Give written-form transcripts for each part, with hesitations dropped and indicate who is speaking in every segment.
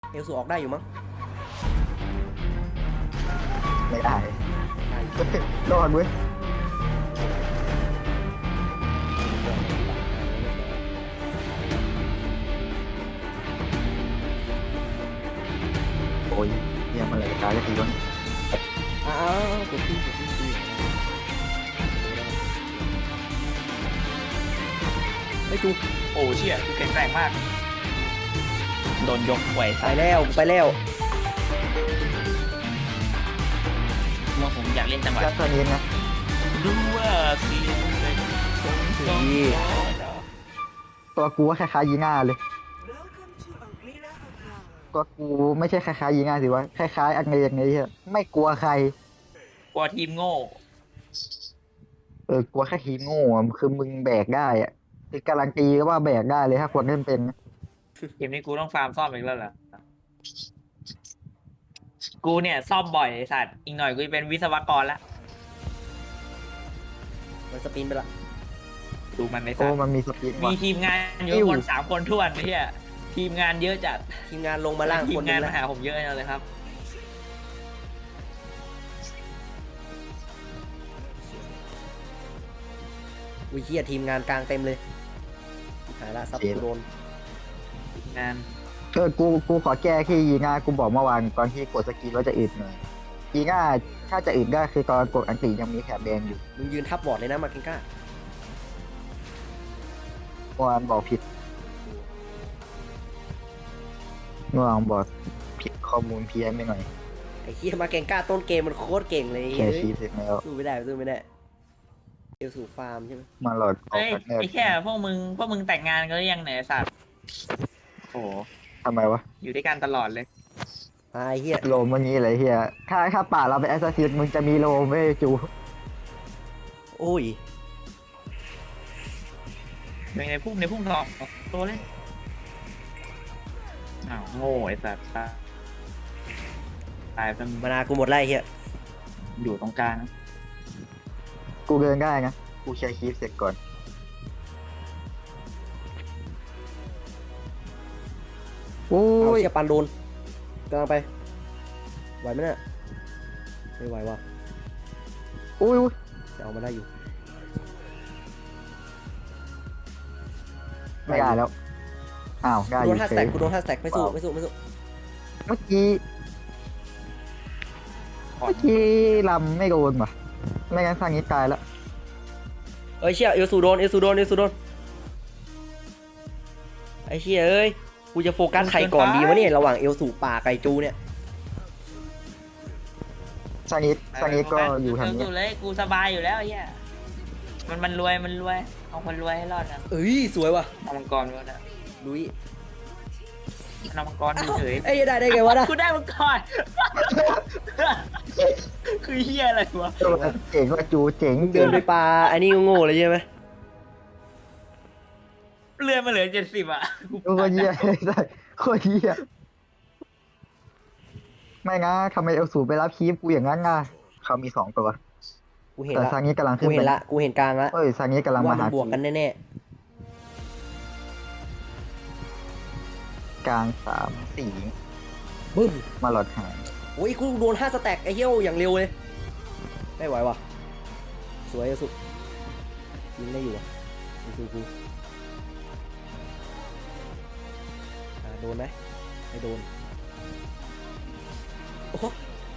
Speaker 1: เอลสูออกได้อยู่มั้ง
Speaker 2: ไม่ได้รอดเว้ยโอ้ยเยี่ยมอะไรตายแล้วทีวะ
Speaker 1: อ้าวกดที่ไม่จู
Speaker 3: โอ้เชี่ยกูแข็งแกร่งมากโดนยกไหว
Speaker 1: ไปแล้วไปแล้ว
Speaker 3: ว่าผมอยากเล่นจังหวะ
Speaker 2: ยัดตัวนี้นะ
Speaker 3: ดูว่าเสียงเป็นทรงทรง
Speaker 2: ตัวกูว่าคล้ายๆยีง่าเลยตัวกูไม่ใช่คล้ายๆยีง่าสิวะคล้ายๆอังเงยังไงเหี้ยไม่กลัวใคร
Speaker 3: กลัวทีมโง่
Speaker 2: กลัวแค่ทีมโง่อะคือมึงแบกได้อะคือการันตีว่าแบกได้เลยถ้าคนเล่นเป็นนะ
Speaker 3: เกมนี้กูต้องฟาร์มซ่อมอีกแล้วเหรอกูเนี่ยซ่อมบ่อยไอ้สัตว์อีกหน่อยกูจะเป็นวิศวกรละ
Speaker 1: มันสปินไปละ
Speaker 3: ดูมันไอ้สั
Speaker 2: โอ้
Speaker 3: ตว์
Speaker 2: มันมีสปีด
Speaker 3: มี
Speaker 2: ว่ะ
Speaker 3: ทีมงานอยู่คน3 คนท้วนไอ้เหี้ยทีมงานเยอะจัด
Speaker 1: ทีมงานลงมาล่าง
Speaker 3: ที
Speaker 1: ค
Speaker 3: ม
Speaker 1: น
Speaker 3: งาน
Speaker 1: นึ
Speaker 3: มาง หาผมเยอะเลยครับ
Speaker 1: อุ้ยเฮียทีมงานกลางเต็มเลยหายละซับกูโดน
Speaker 3: งาน
Speaker 2: กูขอแก้ที่ยีง่ากูบอกเมื่อวานตอนที่กดสกีว่าจะอึดหน่อยยีง่าถ้าจะอึดได้คือตอนกดอังกฤษยังมีแถบแดงอยู่
Speaker 1: มึงยืนทับบอร์ดเลยนะมาเกนก้า
Speaker 2: เมื่อวานบอกผิดเมื่อวานบอกผิดข้อมูลเพี้ยนไปหน่อย
Speaker 1: ไอ้เฮียมาเกนก้าต้นเกมมันโคตรเก่งเลย
Speaker 2: แค่ชีพเสร็จแล้ว
Speaker 1: สู้ไม่ได้สู้ไม่ได้เอลสูฟาร์มใช่ไหม
Speaker 2: มาหลอดออก
Speaker 3: เอ้ย
Speaker 2: จากแนบ
Speaker 3: ไอ้แค่พวกมึงแต่งงานกันหรือยังไหนยไอ้สัตว์โอ้โห
Speaker 2: ทำไมวะ
Speaker 3: อยู่ด้วยกันตลอดเลย
Speaker 1: ไอ้เฮีย
Speaker 2: โลมวันนี้อะไรเฮียถ้าป่าเราเป็นแอสซัสซินมึงจะมีโลมไม่จู
Speaker 1: โอ้ย
Speaker 3: ในพุ่งทองตัวเล่นอ้าวโง่ไอ้สัตว์ตายเป็น
Speaker 1: มานากูหมดไล่เฮีย
Speaker 3: อยู่ตรงกลาง
Speaker 2: กูเดินได้นะกูแชร์คีฟเสร็จก่อนโอ้
Speaker 1: เอา
Speaker 2: ย
Speaker 1: เชียปันโดนกำลังไปไหวไหมเนี่ยไม่ไหวว่ะ
Speaker 2: โอ้ย
Speaker 1: จะเอามาได้อยู่
Speaker 2: ไม่ได้แล้วอ้าวได้อ
Speaker 1: กูโด
Speaker 2: ยู่
Speaker 1: นท่า
Speaker 2: เฉ
Speaker 1: สแต็ก
Speaker 2: ย
Speaker 1: กูโดนท่าสแต็กไม่สู้ไม่สู้ไม่สู้
Speaker 2: เมื่อกี้ลำไม่โดนว่ะไม่งั้นสร้างนี้ตายแล้ว
Speaker 1: เอ้ยเชี่ยเอลสูโดนเอลสูโดนเอลสูโดนไอ้เชี่ยเอ้ยกูจะโฟกัสใครก่อนดีวะเนี่ยระหว่างเอลสูป่าไก่จูเนี่ย
Speaker 2: สร้างนี้ก็อยู่ทางนี้
Speaker 3: อยู่เลยกูสบายอยู่แล้วไอ้เหี้ยมันรวยเอาคนรวยให้รอดนะ
Speaker 1: เอ้ยสวยว่ะ
Speaker 3: เอามังกรด้วยนะ
Speaker 1: ลุย
Speaker 3: เอามังกรเฉย
Speaker 1: เอ้ยได้ไงวะนะ
Speaker 3: กูได้มังกรคือเฮียอะไรวะ
Speaker 2: เจ๋งว่าจูเจ๋ง
Speaker 1: เดินไปปลาอันนี้โง่ๆเลยใช่ไหม
Speaker 3: เลื่อนมาเหลือ70อ่ะ
Speaker 2: โคตรเหี้ยโคตรเหี้ยไม่นะทำไมเอลสูไปรับคีฟกูอย่างนั้นอ่ะเขามี2 ตัว
Speaker 1: กูเห็น
Speaker 2: แต่
Speaker 1: ละ
Speaker 2: ซางนี้กำลัง
Speaker 1: กู
Speaker 2: ขึ้น
Speaker 1: เห็นละกูเห็นกลางละ
Speaker 2: เอ้ยซางนี้กำลังมา
Speaker 1: ว่ามั
Speaker 2: หาน
Speaker 1: บวกกันแน่
Speaker 2: กลาง3
Speaker 1: ๆบึ้ม
Speaker 2: 4มาหลอดหาย
Speaker 1: โอ้ยกูโดน5สแต็กไอ้เหี้ยอย่างเร็วเลยไม่ไหวว่ะสวยสุดยิงได้อยู่อ่ะกูโดนไหมไม่โดนโอ้โห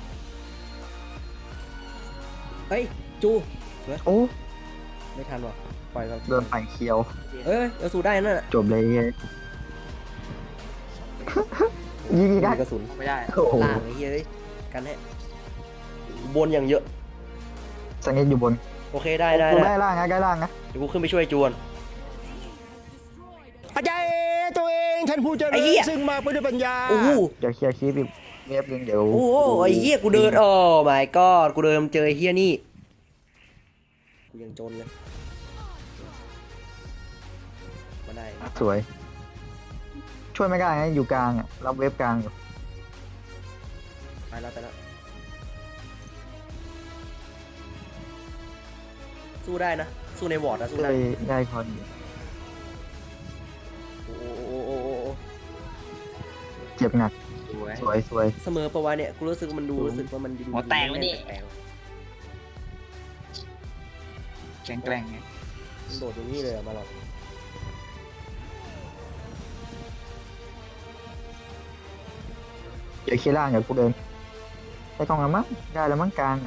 Speaker 1: เฮ้ยจู
Speaker 2: โอ้
Speaker 1: ไม่ทันว่ะปล่อยก่อน
Speaker 2: โดนปั่นเคียว
Speaker 1: เอ้ยเอาสู้ได้นั่นน่ะ
Speaker 2: จบเลยเฮ้ยยิงอีก
Speaker 1: มี
Speaker 2: นะ
Speaker 1: กระสุน
Speaker 3: ไม่ได้
Speaker 2: โอ้โห
Speaker 1: ล่างไอ้เหี้ยเอ้ยกันแน่บนอย่างเยอะ
Speaker 2: ซางนี้อยู่บน
Speaker 1: โอเคได้
Speaker 2: กูได้ล่างนะได้ล่างนะ
Speaker 1: เดี๋ยวกูขึ้นไปช่วยจวน
Speaker 4: อาจารย์ตัวเองท่านผู้เจริ
Speaker 1: ไอ้เหี้
Speaker 4: ญ
Speaker 1: ย
Speaker 4: ซึ่งมาไปด้วยปัญญา
Speaker 1: โอ้โห
Speaker 2: เดี๋ยวเคลียร์คีฟอีกเว็บนึงเดี๋ยว
Speaker 1: โอ้โหไอ้เหี้ยกูเดินโอ้ my god กูเดินเจอไอ้เหี้ยนี่กูยังจนเลยมาได้
Speaker 2: สวย ช่วยไม่ได้นะอยู่กลางอ่ะรับเว็บกลางอยู่
Speaker 1: ไปแล้วสู้ได้นะสู้ในวอร์ดนะสู้
Speaker 2: ก็
Speaker 1: ได้
Speaker 2: เลยได้คอนอยู่
Speaker 1: โอ้โห
Speaker 2: เจ็บหนัก
Speaker 3: สวย
Speaker 2: สวยสวย
Speaker 1: เสมอปะวะเนี่ยกูรู้สึกว่ามันดูรู้สึกว่ามันดู
Speaker 3: หัวแตกไหมนี่
Speaker 1: แปลก
Speaker 3: แกล้งไง
Speaker 1: ๆมันโดดอย่างนี้เลยอะมาหรอก
Speaker 2: เดี๋ยวเคลียร์ล่างเดี๋ยวกูเดินไปกองละมั้งได้แล้วมั้งกลางอะ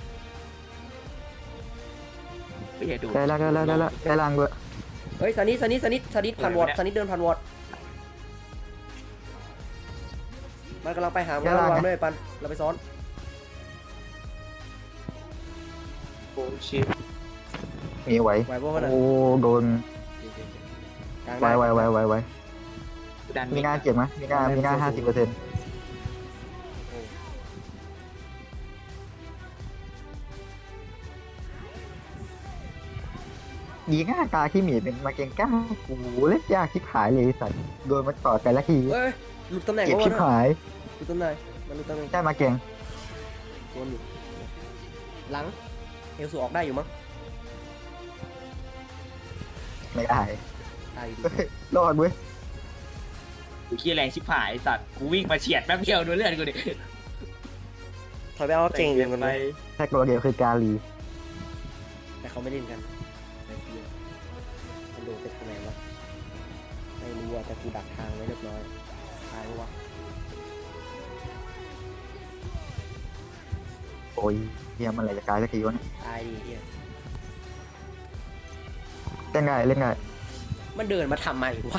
Speaker 3: ไม่ใช่ดู
Speaker 2: ได้แล้วได้แล้วได้แล้วได้ล่างด้วย
Speaker 1: เฮ้ยซานิผ่านวอร์ดซานิเดินผ่านวอร์ดมันกำลังไปหามึงระวังด้วยปันเราไปซ้อน
Speaker 3: โอ้ชิป
Speaker 2: มีไหว
Speaker 1: ไหวพวกมันอ่ะ
Speaker 2: โอ้โดน
Speaker 1: กลาง
Speaker 2: ไหว
Speaker 1: ได้
Speaker 2: ไหว
Speaker 3: ดัน
Speaker 2: มีงานเจ็บไหมมีงาน50%ดีง่ากาขี้หมีเป็นมาเก่งก้าโอ้โหเล่นยากชิบหายเลยไอ้สัตว์โดนมันต่อแต่ละที
Speaker 1: เฮ้ยหลุดตำแหน่ง
Speaker 2: เจ็บ
Speaker 1: แล้ว
Speaker 2: ชิบ
Speaker 1: วะ
Speaker 2: หาย
Speaker 1: หลุดตำแหน่งมันหลุดตำแหน่ง
Speaker 2: ได้มาเก่ง
Speaker 1: โดนอยู่หลังเอลสูออกได้อยู่มั้ง
Speaker 2: ไม่ได้
Speaker 1: ได้อยู่
Speaker 2: เฮ้ยรอดเว้ย
Speaker 3: กูขี้แรงชิบหายสัตว์กูวิ่งมาเฉียดแป๊บเดียวดูเลือดกูดิ
Speaker 1: ถอยไปเอาเก่งอย่างกัน
Speaker 3: ไป
Speaker 1: ไป
Speaker 2: แค่ตัวเดียวคือกาลี
Speaker 1: แต่เขาไม่เล่นกันในเกียร์มันโดดไปทางไหนวะไม่รู้อ่ะแต่กูดักทางไว้เรียบร้อยตายปะวะ
Speaker 2: โอ้ยเฮียมันอะไรจะกลายสักทีวะเนี่ย
Speaker 1: ตายดิเฮีย
Speaker 2: เล่นได้เล่นได้
Speaker 1: มันเดินมาทำไมวะ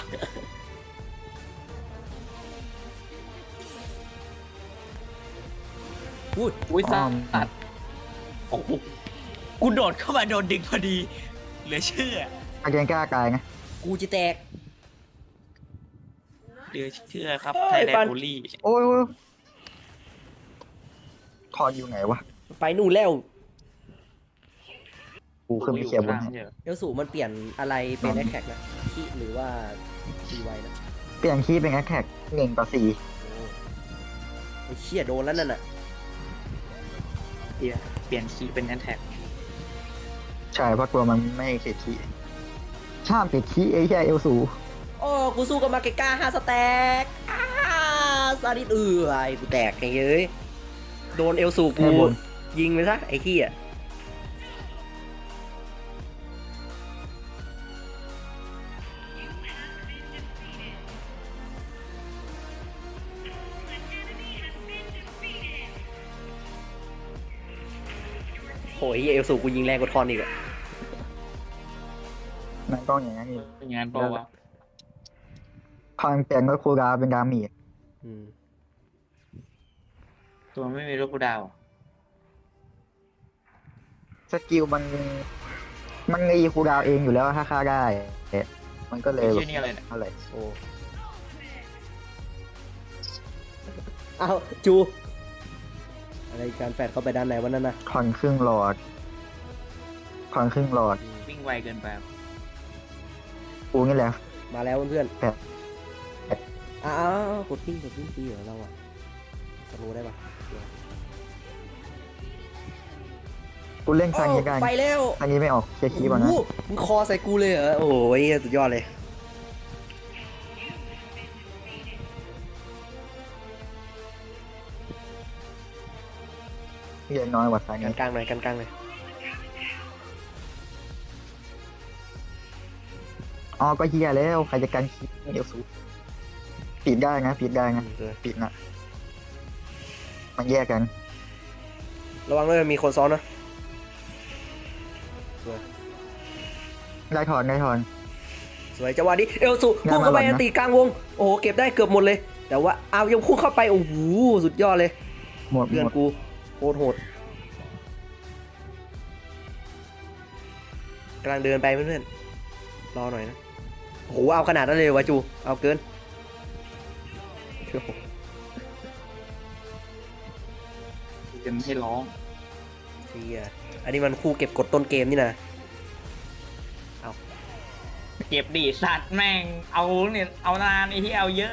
Speaker 1: พูด
Speaker 3: อุ้ยสัตว์โอ้โหกูโดดเข้ามาโดนดึงพอดีเหลือเชื่อ
Speaker 2: มาเก่งกล้ากายไง
Speaker 1: กูจะแตก
Speaker 3: เหลือเชื่อครับ
Speaker 1: เฮ้ย
Speaker 3: ไทยแลน
Speaker 1: ปัน
Speaker 3: ด์บูลลี่
Speaker 2: โอ้ยคอนอยู่ไหนวะ
Speaker 1: ไปนู่นแล้ว
Speaker 2: กูขึ้นไปเคลียร์บนให้
Speaker 1: เอลสูมันเปลี่ยนอะไรเป็นแอคแท็กนะที่หรือว่าทีไวนะ
Speaker 2: เปลี่ยนคีย์เป็นแอคแท็ก1-4
Speaker 1: โอ้ไอ้เชี่ยโดนแล้วนั่นน่ะ
Speaker 3: เปลี่ยนคีย์เป็นแอนแท็ก
Speaker 2: ใช่เพราะตัวมันไม่ติดคีย์ห้ามติดคีย์ไอ้แค่เอลสู
Speaker 1: โอ้กูสู้กับมาเกก้า5 สแต็กซาดิสไอ้กูแตกไงเอ้ยโดนเอลสูกู
Speaker 2: แค่บน
Speaker 1: ยิงไปซะไอ้ขี้อ่ะโหยเอลสูกูยิงแรงกว่าทอนอีกอะ
Speaker 2: มันต้องอย่างนั้นนี่
Speaker 3: เป็นงานเปล่าวะ
Speaker 2: คอนเปลี่ยนก็คูลดาวน์เป็นดาเมจ
Speaker 1: อืม
Speaker 3: ตัวไม่มีลูกกูดาว
Speaker 2: สกิลมันรีคูลดาวน์เองอยู่แล้วถ้าฆ่าได้มันก็เลย
Speaker 3: ไอ้เชี่ยนี่อะไรเนี่ย
Speaker 2: อะไร
Speaker 1: โอ้เอาจูอะไรการแฟดเข้าไปด้านไหนวันนั้นนะ
Speaker 2: คอนครึ่งหลอดคอนครึ่งหลอด
Speaker 3: วิ่งไวเกินไป
Speaker 2: กูนี่แหละ
Speaker 1: มาแล้วเพื่อน
Speaker 2: แปด
Speaker 1: อ้าวกดปิ้งตีเหรอเราอะสโลว์ได้ปะ
Speaker 2: กูเล่นครั้งนี้กัน
Speaker 1: ไปแล้ว
Speaker 2: ครั้งนี้ไม่ออกเคลียร์คีย์ก่อนนะ
Speaker 1: โอ้โหมึงคอใส่กูเลยเหรอโอ้ยสุดยอดเลย
Speaker 2: เรียนน้อยกว่าครั้ง
Speaker 1: กั
Speaker 2: นี้
Speaker 1: นกลางหน่อยกันกลางหน่อย
Speaker 2: อ๋อก็เฮียแล้วใครจะกันคีย์เดี๋ยวสูปิดได้นะปิดได้นะปิดนะมันแยกกัน
Speaker 1: ระวังด้วยมีคนซ้อนนะ
Speaker 2: ได้ถอนได้ถอน
Speaker 1: สวยจังหวะนี้เอลสุพุ่งเข้าไป
Speaker 2: งานมาหล่อนนะ
Speaker 1: อันตีกลางวงโอ้โหเก็บได้เกือบหมดเลย แต่ว่าเอายังพุ่งเข้าไปโอ้โหสุดยอดเลย
Speaker 2: หมด
Speaker 1: เพื่อน
Speaker 2: หมด
Speaker 1: กูโคตรโหดกำลังเดินไปเพื่อนๆรอหน่อยนะโอ้โหเอาขนาดนั้นเลยวะจูเอาเกิน
Speaker 3: จะให้ร้อง
Speaker 1: เฮียอันนี้มันคู่เก็บกดต้นเกมนี่นะ
Speaker 3: เก็บดีสัตว์แม่งเอาเนี่ยเอานานไอ้ที่เอาเยอะ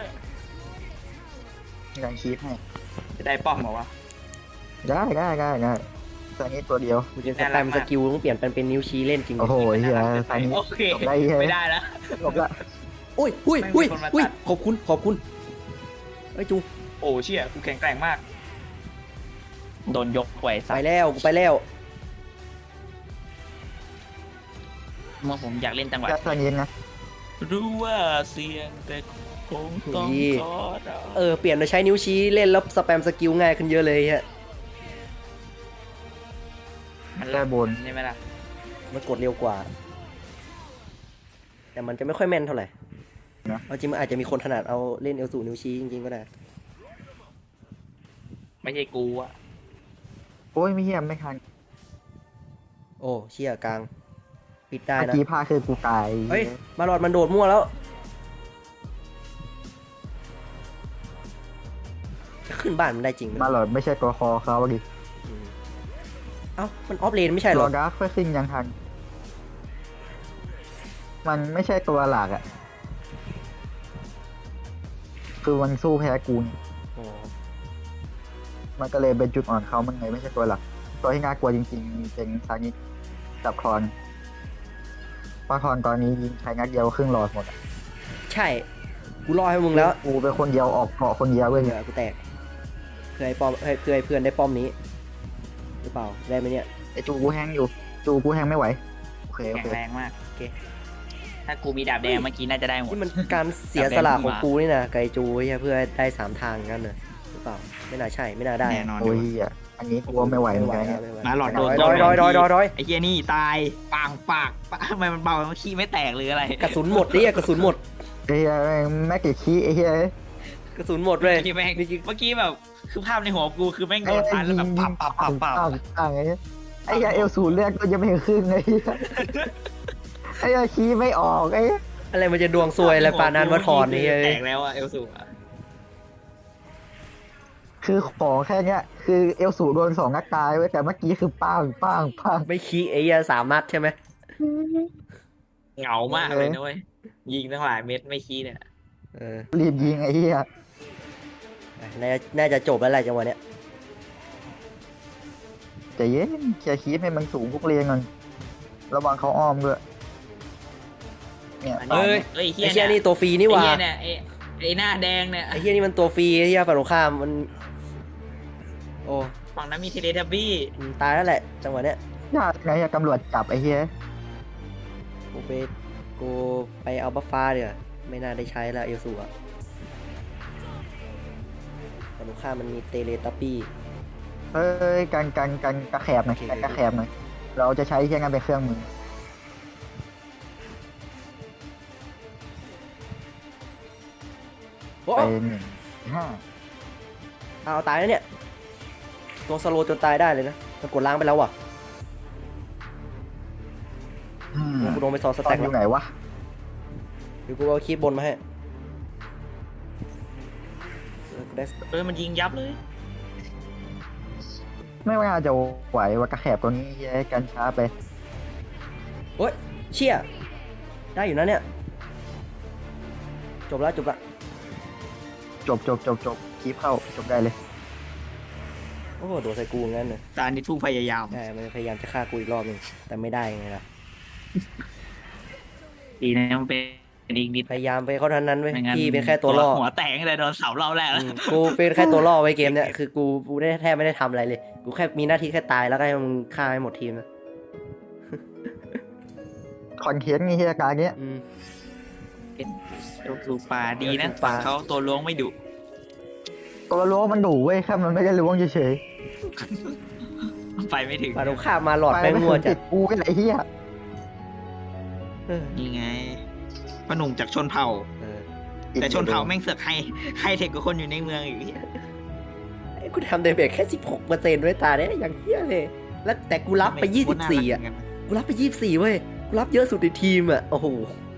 Speaker 2: การคีย์ให้
Speaker 3: จะได้ป้อมเหรอวะ
Speaker 2: ได้ตอนนี้ตัวเดียว
Speaker 1: กูจะสแปมสกิลต้องเปลี่ยนเป็นนิ้วชี้เล่นจริง
Speaker 2: โอ้โหเฮียตอนนี้
Speaker 3: โอเค
Speaker 2: จบได้เฮีย
Speaker 3: ไม่ได้แล้ว
Speaker 2: จบละ
Speaker 1: อุ้ย
Speaker 3: ไม่มีคนมาตัด
Speaker 1: ขอบคุณไอ้ยจู
Speaker 3: โอ้เชี่ยกูแข็งแกร่งมาก โดนยกไหว
Speaker 1: ไป
Speaker 3: ใส่
Speaker 1: แล้วกูไปแล้ว
Speaker 3: เมื่อผมอยากเล่นจังหวะ
Speaker 2: แค่ทางนี้นะ
Speaker 3: รู้ว่าเสียงแต่คงต้องขอเรา
Speaker 1: เปลี่ยนมาใช้นิ้วชี้เล่นแล้วสแปมสกิลง่ายขึ้นเยอะเลยฮะ
Speaker 3: มัน
Speaker 2: แค่บน
Speaker 3: ใช่ไหมล่ะ
Speaker 1: มันกดเร็วกว่า แต่มันจะไม่ค่อยแม่นเท่าไหร่เอาจริงมันอาจจะมีคนถนัดเอาเล่นเอลสูนิ้วชี้จริงๆก็ได้
Speaker 3: ไม่ใช่กูอะ
Speaker 2: โอ้ยไม่เหี้ยไม่ทัน
Speaker 1: โอ้เชี่ยกลางปิดได้
Speaker 2: เมื่อ
Speaker 1: นะ
Speaker 2: กี้พาคือกูตาย
Speaker 1: เฮ้ยมาหลอดมันโดดมั่วแล้วจะขึ้นบ้านมันได้จริงไหม
Speaker 2: มาหลอดไม่ใช่ตัวคอเขาดิ
Speaker 1: อืมเอ้ามันออฟเลนไม่ใช่เหร
Speaker 2: ร
Speaker 1: อ
Speaker 2: อดาร์คเฟซิ่งยังทัน มันไม่ใช่ตัวหลักอ่ะ คือมันสู้แพ้กูนี่
Speaker 1: อ๋อ
Speaker 2: มันก็เลยเป็นจุดอ่อนเขามันไงไม่ใช่ตัวหลัก ตัวที่น่ากลัวจริงๆมีเป็นซานิกับคอนเพราะคอนตอนนี้ยิงใช้นัดเดียวครึ่งหลอดหมดอะ
Speaker 1: ใช่กูรอให้มึงแล้ว
Speaker 2: กูเป็นคนเดียวออกเกาะคนเดียวเว้ย
Speaker 1: เหงื่อกูแตกเพื่อให้ป้อมเพื่อให้เพื่อนได้ป้อมนี้หรือเปล่าได้ไหมเนี่ย
Speaker 2: ไอจูกูแห้งอยู่ จูกูแห้งไม่ไหว โอเค โอ
Speaker 3: แข็ง
Speaker 2: เค
Speaker 3: แรงมาก
Speaker 1: โอเค
Speaker 3: ถ้ากูมีดาบแดงเมื่อกี้น่าจะได้หมด
Speaker 1: นี่มันการเสียสละของกูนี่นะไกจูเหี้ยเพื่อได้3 ทางกันนะหรือเปล่าไม่น่าใช่ไม่น่าได้
Speaker 3: แน่นอน
Speaker 2: โอ้ยอ่ะอันนี้กูว่าไม่ไหวเหมือนกันเนี่ย
Speaker 3: มาหลอดโดน
Speaker 1: ดอยดอย
Speaker 3: ไอ้เหี้ยนี่ตายปางปากทำไมมันเบามันขี้ไม่แตกหรืออะไร
Speaker 1: กระสุนหมดดิกระสุนหมด
Speaker 2: ไอ้เหี้ยแม่งกี่ขี้ไอ้เหี้ย
Speaker 1: กระสุนหมดเลย
Speaker 3: เมื่อกี้แบบคือภาพในหัวกูคือแม่งโด
Speaker 2: ไอ้
Speaker 3: นฟันแล้วแบบปับปับปับปับ
Speaker 2: ปังไอ้เหี้ยไอ้เหี้ยเอลสูเลือดก็ยังไม่ครึ่งไอ้เหี้ยไอ้เหี้ยขี้ไม่ออกไอ้เหี้ย
Speaker 1: อะไรมันจะดวงซวยอะไรปานนั้นว่าถอนนี่
Speaker 3: แตกแล้วอะเอลสูอะ
Speaker 2: คือของแค่เนี้ยคือเอลสูโดน2 นัดตายไว้ยแต่เมื่อกี้คือปังปังปัง
Speaker 1: ไม่ขี้ไอ้เหี้ย3 นัดใช่ไหม
Speaker 3: เหงามากเลยนะเว้ยยิงตั้งหลายเม็ดไม่ขี้เนี่ย
Speaker 1: เออ
Speaker 2: รีบยิงไอ้เหี้ย
Speaker 1: น่าจะจบแล้วแหละจังหวะเนี้ย
Speaker 2: ใจเย็นเคลียร์คีฟให้มันสูงพวกเรียงก่อนระวังเขาอ้อมด้วยเนี่ย
Speaker 1: เฮ้ย
Speaker 3: ไอ้
Speaker 1: ไอ้เหี้ยนี่ตัวฟรีนี่หว่า
Speaker 3: ไอ้เหี้ยเนี่ยไอ้หน้าแดงเนี่ย
Speaker 1: ไอ้เหี้ยนี่มันตัวฟรีไอ้เหี้ยฝั่งตรงข้ามมันโอ้
Speaker 3: ฝั่งนั้นมีเทเลทับบี้
Speaker 1: ตายแล้วแหละจังหวะเนี้ย
Speaker 2: ยากไงอะตำรวจจับไอ้เหี้ย
Speaker 1: กูไปเอาบัฟฟ้าเดี๋ยวาไม่น่าได้ใช้แล้วเอลสูอะฝั่งตรงข้ามมันมีเตเลตัปปี้
Speaker 2: เฮ้ยกันกระแขบหน่อย
Speaker 1: โอเค
Speaker 2: กันกระแขบหน่อยเราจะใช้แค่งานเป็นเครื่องมือ
Speaker 1: โอ้
Speaker 2: ไป1 5
Speaker 1: เอาตายแล้วเนี่ยตัวสโลว์จนตายได้เลยนะมันกดล้างไปแล้วว่ะกูโดนไป2 ส
Speaker 2: ตอ
Speaker 1: แต็
Speaker 2: น
Speaker 1: ก
Speaker 2: อ
Speaker 1: แล้ว
Speaker 2: ยู่ไหนวะ
Speaker 1: เดี๋ยวกูเอาคีบบนมาให้กูได้
Speaker 3: มันยิงยับเลย
Speaker 2: ไม่ว่าจะไหวว่ากระแขบตัวนี้เหี้ยกันช้าไป
Speaker 1: โอ้ยเชี่ยได้อยู่นะเนี่ยจบแล้วจบละ
Speaker 2: จบคีบเข้าจบได้เลย
Speaker 1: โอ้โหโดนใส่กูงั้นเลย
Speaker 3: ตานี่ผู้พยายาม
Speaker 1: ใช่มันพยายามจะฆ่ากูอีกรอบหนึงแต่ไม่ได้ไงล่ะ
Speaker 3: ดีนะมันเป็นอีกนิด
Speaker 1: พยายามไปเขาเท่านั้นเว้ย
Speaker 3: ไม่งั้น
Speaker 1: พี่เป็นแค่ตัวล่อ
Speaker 3: หัวแตกแต่โดนเสาเราแรก
Speaker 1: อื
Speaker 3: แล้ว
Speaker 1: มกูเป็นแค่ตัวล่อไว้เกมเนี่ยคือกูได้แทบไม่ได้ทำอะไรเลยกูแค่มีหน้าที่แค่ตายแล้วก็ให้มึงฆ่าให้หมดทีมนะ
Speaker 2: คอนเทนต์นี่เหี้ยการเนี้ย
Speaker 1: อืม
Speaker 3: ลูกปลาดีนะ
Speaker 1: ลูกปลา
Speaker 3: ฝั่งเขาตัวล้วงไม่ดุ
Speaker 2: ตัวล้วงมันดุเว้ยแค่มันไม่ได้ล้วงเฉย
Speaker 3: ไปไม่ถึง
Speaker 1: ปาตรงข้ามมาหลอด
Speaker 2: ๆ
Speaker 1: ไป
Speaker 2: ไม่
Speaker 1: มั่ว
Speaker 2: ถึง
Speaker 1: จั
Speaker 2: ติ
Speaker 1: ด
Speaker 2: ดกูไอ้ไรเหี้ย
Speaker 1: เออ
Speaker 3: นี่ไงพ่อหนุ่มจากชนเผ่า
Speaker 1: เออ
Speaker 3: แต่ชนเผ่าแม่งเสือกให้เทคกับคนอยู่ในเมืองอีก
Speaker 1: ไอ้กูทำเดเบกแค่ 16%ด้วยตาเนี่ยอย่างเหี้ยเลย แล้วแต่กูรับไป 24 อ่ะ กูรับไป 24 เว้ย กูรับเยอะสุดในทีมอ่ะ โอ้โห